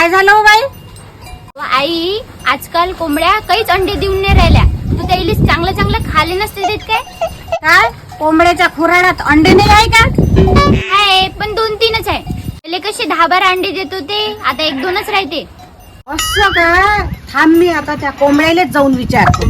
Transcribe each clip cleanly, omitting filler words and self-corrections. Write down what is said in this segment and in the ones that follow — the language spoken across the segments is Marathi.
काय झालं हो बाई? आई, आजकाल कोंबड्या काहीच अंडे देऊन नाही राहिल्या. तू त्याला चांगलं चांगलं खाले नसते देत काय? काय कोंबड्याच्या खुराडात अंडे नाही आहे का? आहे, पण 2-3च आहे. पहिले कसे 10-12 अंडे देत होते, आता 1-2च राहते. असं का? थांब, मी आता त्या कोंबड्यालाच जाऊन विचारतो.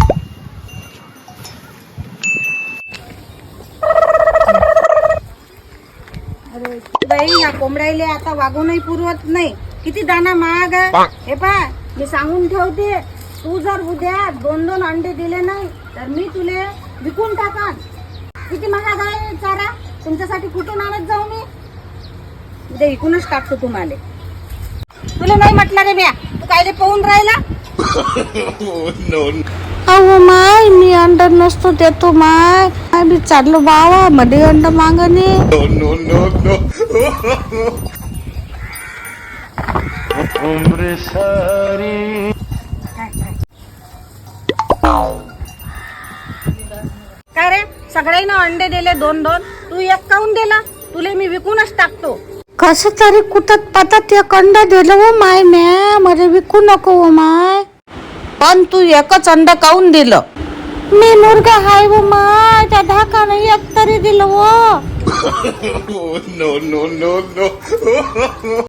अरे बाई, या कोंबड्याला आता वागूनही पुरवत नाही. किती दाना महाग आहे. हे पहा, मी सांगून ठेवते, तू जर उद्या 2-2 अंडे दिले नाही तर मी तुले विकून टाकान. किती महाग आहे चारा, तुमच्यासाठी कुठून आणत जाऊ मी? उद्या विकूनच टाकतो तुम्हाला. तुला नाही म्हटलं रे ब्या, तू काय पाहून राहिला? अहो माय, मी अंड नसतो देतो माय. मी चाललो बावा मध्ये अंड मागणे. काय रे, सगळ्यांना अंडे दिले 2-2, तू एक काऊन दिला? तुले मी विकूनच टाकतो. कस तरी कुठत पातात एक अंड दिलं हो माय म्या, मला विकू नको हो माय. पण तू एकच अंड काऊन दिलं? मी मुर्गा हाय हो माय, त्या ढाकानं एक तरी दिलं हो.